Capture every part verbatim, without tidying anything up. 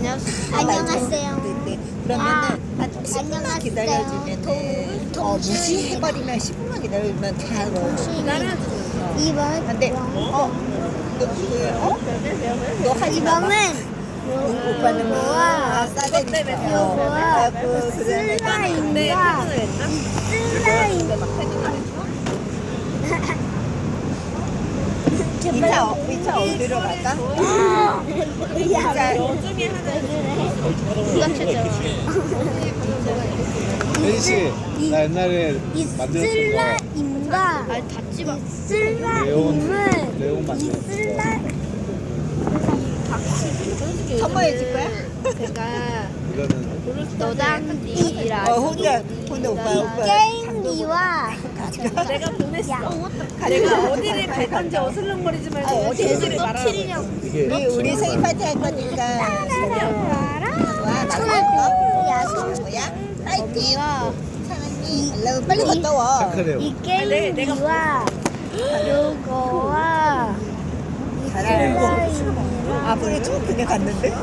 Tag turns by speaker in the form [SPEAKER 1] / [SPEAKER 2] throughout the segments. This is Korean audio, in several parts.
[SPEAKER 1] 안녕하세요.
[SPEAKER 2] 네, 그러면은 한 십 분만 기다려주면은 어 무시해버리면 십 분만 기다려주면 다 넣어.
[SPEAKER 1] 이번
[SPEAKER 2] 근데 어? 너 그, 어? 너 하지 마봐.
[SPEAKER 1] 이번은
[SPEAKER 2] 오빠는 뭐 아, 싸대니까.
[SPEAKER 1] 요거와
[SPEAKER 2] 그
[SPEAKER 1] 슬라임과 슬라임
[SPEAKER 2] 이차 어- 이차 어디로 갈까? 이차
[SPEAKER 3] 요즘에 하는
[SPEAKER 1] 이거 최저
[SPEAKER 4] 혜진 씨, 나 옛날에
[SPEAKER 1] 이
[SPEAKER 4] 만들었던
[SPEAKER 1] 슬라임과
[SPEAKER 3] 아니 닫지 마.
[SPEAKER 1] 이 슬라임은
[SPEAKER 4] 레온
[SPEAKER 1] 이
[SPEAKER 4] 만들었어.
[SPEAKER 1] 슬라임
[SPEAKER 2] 선물해 줄 거야?
[SPEAKER 3] 그러니까
[SPEAKER 4] 이거는
[SPEAKER 3] 너당이랑
[SPEAKER 2] 어 혼자 혼자 오빠 오빠
[SPEAKER 1] 게임기와
[SPEAKER 3] 내가 보냈어.
[SPEAKER 1] 야,
[SPEAKER 3] 내가 어디를 갈 건지 어슬렁거리지 말고
[SPEAKER 2] 아, 어디를
[SPEAKER 3] 어디를 말하라고.
[SPEAKER 4] 이게
[SPEAKER 2] 우리 우리 생일 파티 할 거니까 와
[SPEAKER 1] 손을 야, 손.
[SPEAKER 2] 뭐야? 파이팅! 사랑해. 얼른 빨리 갔다 와.
[SPEAKER 4] 착하네요.
[SPEAKER 1] 이
[SPEAKER 3] 내- 내가
[SPEAKER 1] 게임기와 요거와
[SPEAKER 2] 잘하네.
[SPEAKER 1] 슬라임이랑
[SPEAKER 2] 앞으로 쭉 그냥 갔는데?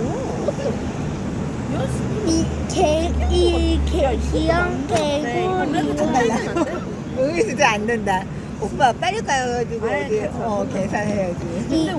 [SPEAKER 1] 이 개, 이 개, 귀여운 개구리
[SPEAKER 2] 여기 진짜 안 된다. 오빠 빨리 가가지고 어디 어 계산해야지.
[SPEAKER 1] 이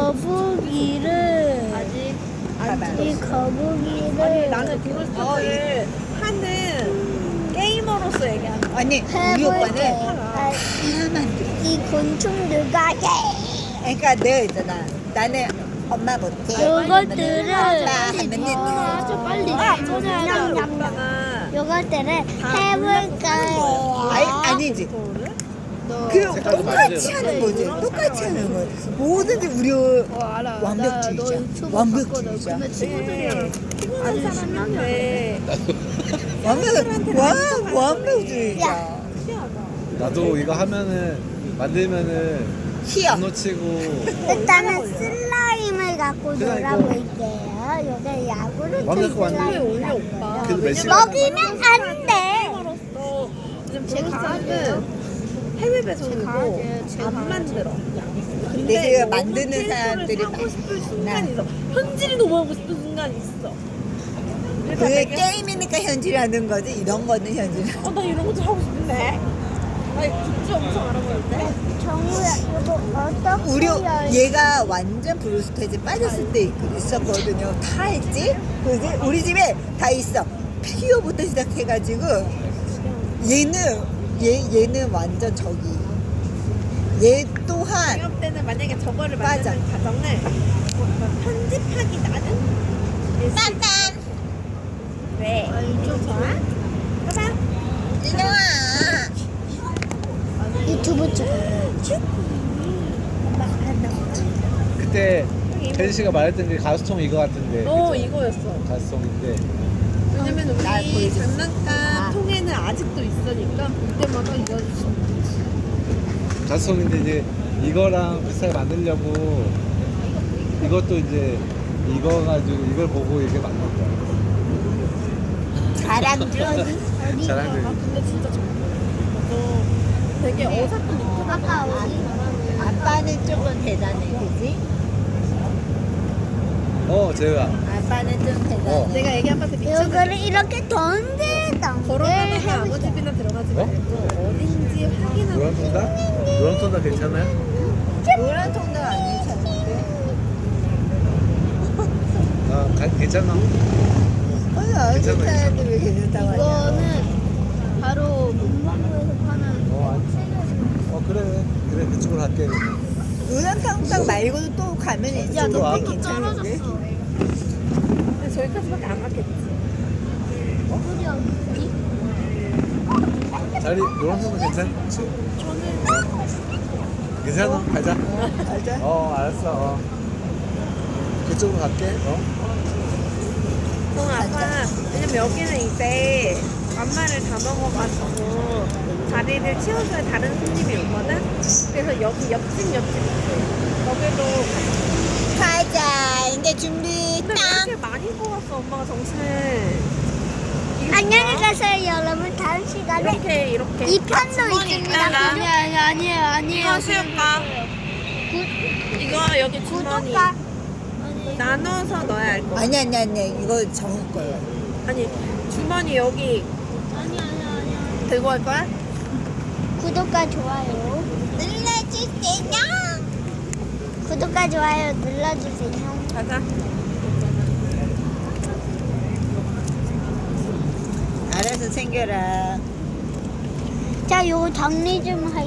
[SPEAKER 1] 거북이를
[SPEAKER 3] 아직
[SPEAKER 2] 봐봐.
[SPEAKER 1] 이 거북이를
[SPEAKER 3] 아니 나는 브루스를 하는 게이머로서 얘기하는 거야.
[SPEAKER 2] 아니 우리
[SPEAKER 1] 해볼게.
[SPEAKER 2] 오빠는
[SPEAKER 1] 아,
[SPEAKER 2] 하나만 돼.
[SPEAKER 1] 이 곤충들과
[SPEAKER 2] 그러니까 내가 있잖아. 나는 엄마 못해.
[SPEAKER 1] 요것들을
[SPEAKER 2] 아빠 하면은
[SPEAKER 1] 더
[SPEAKER 3] 빨리
[SPEAKER 1] 냠냠냠
[SPEAKER 3] 오빠가
[SPEAKER 1] 요것들을 해볼 거예요.
[SPEAKER 2] 아니 아니지. 그
[SPEAKER 4] 색깔도
[SPEAKER 2] 똑같이
[SPEAKER 4] 맞아요.
[SPEAKER 2] 하는 거지. 똑같이 하는 거지. 뭐든지 우리
[SPEAKER 3] 알아.
[SPEAKER 2] 완벽주의자. 완벽주의자.
[SPEAKER 3] 근데 친구들이랑 피곤한 사람인데
[SPEAKER 2] 완벽 와 완벽주의자.
[SPEAKER 4] 나도 이거 하면은 만들면은
[SPEAKER 2] 희야.
[SPEAKER 4] 안 놓치고
[SPEAKER 1] 일단은 슬라임을 갖고
[SPEAKER 4] 그냥 이거-
[SPEAKER 1] 놀아볼게요. 요게 야구르트
[SPEAKER 4] 완벽히 완전-
[SPEAKER 1] 슬라임.
[SPEAKER 3] 올려 오빠.
[SPEAKER 4] 그래도 몇 시간
[SPEAKER 1] 먹이면 안 돼.
[SPEAKER 3] 게이머로서 지금 브루스는 해외 배송이고 안 만들어.
[SPEAKER 2] 근데 그
[SPEAKER 3] 너무
[SPEAKER 2] 만드는
[SPEAKER 3] 캐릭터를
[SPEAKER 2] 사람들이
[SPEAKER 3] 사고 싶은
[SPEAKER 2] 많아.
[SPEAKER 3] 순간이 있어. 현질이 너무 하고 싶은 순간이 있어. 그래서
[SPEAKER 2] 그
[SPEAKER 3] 내가
[SPEAKER 2] 게임이니까 현질하는 거지. 이런 거는 현질.
[SPEAKER 3] 어, 나 이런 거 좀 하고 싶은데. 아니 굿즈 엄청 알아보는데.
[SPEAKER 1] 정우야, 이거 어떻게
[SPEAKER 2] 우리
[SPEAKER 1] 열-
[SPEAKER 2] 얘가 완전 브루스테이지 빠졌을 때 있- 있었거든요. 다 했지? 그지? 우리 집에 다 있어. 피규어부터 시작해가지고 얘는 얘 얘는 완전 저기. 얘 또한
[SPEAKER 3] 취업 때는 만약에 저거를
[SPEAKER 2] 맞아.
[SPEAKER 3] 만드는 과정을 뭐 편집하기 나는
[SPEAKER 2] 딴딴
[SPEAKER 3] 왜? 좀 좋아? 봐봐.
[SPEAKER 2] 일로 와.
[SPEAKER 1] 유튜브 찍어.
[SPEAKER 4] 그때 혜진 씨가 말했던 게 가스통 이거 같은데
[SPEAKER 3] 어
[SPEAKER 4] 그죠?
[SPEAKER 3] 이거였어.
[SPEAKER 4] 가스통인데
[SPEAKER 3] 왜냐면
[SPEAKER 2] 날
[SPEAKER 3] 우리
[SPEAKER 2] 보이지?
[SPEAKER 3] 장난감 통에는 아직도 있으니까 볼 때마다 이거
[SPEAKER 4] 가스통인데 이제 이거랑 비슷하게 만들려고 이것도 이제 이거 가지고 이걸 보고 이렇게 만든 거야.
[SPEAKER 2] 자랑들.
[SPEAKER 3] 아
[SPEAKER 4] 자랑들.
[SPEAKER 3] 근데 진짜 정말 되게 어설픈 느낌.
[SPEAKER 1] 아까 어디?
[SPEAKER 2] 아빠는 조금 대단해, 그지?
[SPEAKER 4] 어, 제가
[SPEAKER 2] 아빠는 좀 대단해.
[SPEAKER 4] 어.
[SPEAKER 3] 내가 애기 아빠한테 미쳤는데
[SPEAKER 1] 요거를 이렇게 던데 던데
[SPEAKER 3] 걸어가다가 아무 집이나 들어가지
[SPEAKER 4] 어?
[SPEAKER 3] 말고 어딘지 확인하고
[SPEAKER 4] 노란 통닭? 노란 통닭 괜찮아요?
[SPEAKER 2] 노란 통닭 안 괜찮은데?
[SPEAKER 4] 아, 가, 괜찮아.
[SPEAKER 2] 아니, 안
[SPEAKER 4] 괜찮아,
[SPEAKER 2] 괜찮은데 왜 괜찮다고 하냐?
[SPEAKER 3] 이거는 바로 문방구에서 파는
[SPEAKER 4] 어, 안, 어 그래, 그래 그쪽으로 갈게. 그러면.
[SPEAKER 2] 노란 통닭 말고도 또 가면 있지.
[SPEAKER 4] 야, 너
[SPEAKER 2] 근데
[SPEAKER 4] 또
[SPEAKER 2] 괜찮은데?
[SPEAKER 3] 근데 저기까지밖에 안 갔겠지.
[SPEAKER 4] 자리 노란 통닭 괜찮지?
[SPEAKER 3] 저는
[SPEAKER 4] 괜찮아, 가자.
[SPEAKER 2] 맞아?
[SPEAKER 4] 어, 알았어. 어. 그쪽으로 갈게. 어?
[SPEAKER 3] 그럼 아까 왜냐면 여기는 이제 만마를 다 먹어가지고 자리를 치워줘야 다른 손님이 오거든. 그래서 여기 옆집 옆집 거기로
[SPEAKER 2] 가자. 이제 준비
[SPEAKER 3] 근데 왜
[SPEAKER 2] 딱.
[SPEAKER 3] 이렇게 많이 뽑았어 엄마가 정신을. 이게
[SPEAKER 1] 안녕히
[SPEAKER 3] 뭐야?
[SPEAKER 1] 가세요 여러분. 다음 시간에
[SPEAKER 3] 이렇게 이렇게
[SPEAKER 1] 이 편도 있습니다.
[SPEAKER 3] 아니 아니 아니에요 아니에요. 이거 수육가.
[SPEAKER 1] 구-
[SPEAKER 3] 이거 여기 주머니.
[SPEAKER 1] 구독과
[SPEAKER 3] 나눠서 넣어야 할 거.
[SPEAKER 2] 아니 아니 아니 이거 정우 거예요.
[SPEAKER 3] 아니 주머니 여기
[SPEAKER 1] 아니 아니 아니.
[SPEAKER 3] 들고 갈 거야?
[SPEAKER 1] 구독과 좋아요 눌러주세요. 구독과 좋아요 눌러주세요.
[SPEAKER 3] 가자.
[SPEAKER 2] 알아서 챙겨라.
[SPEAKER 1] 자, 요거 정리 좀 할.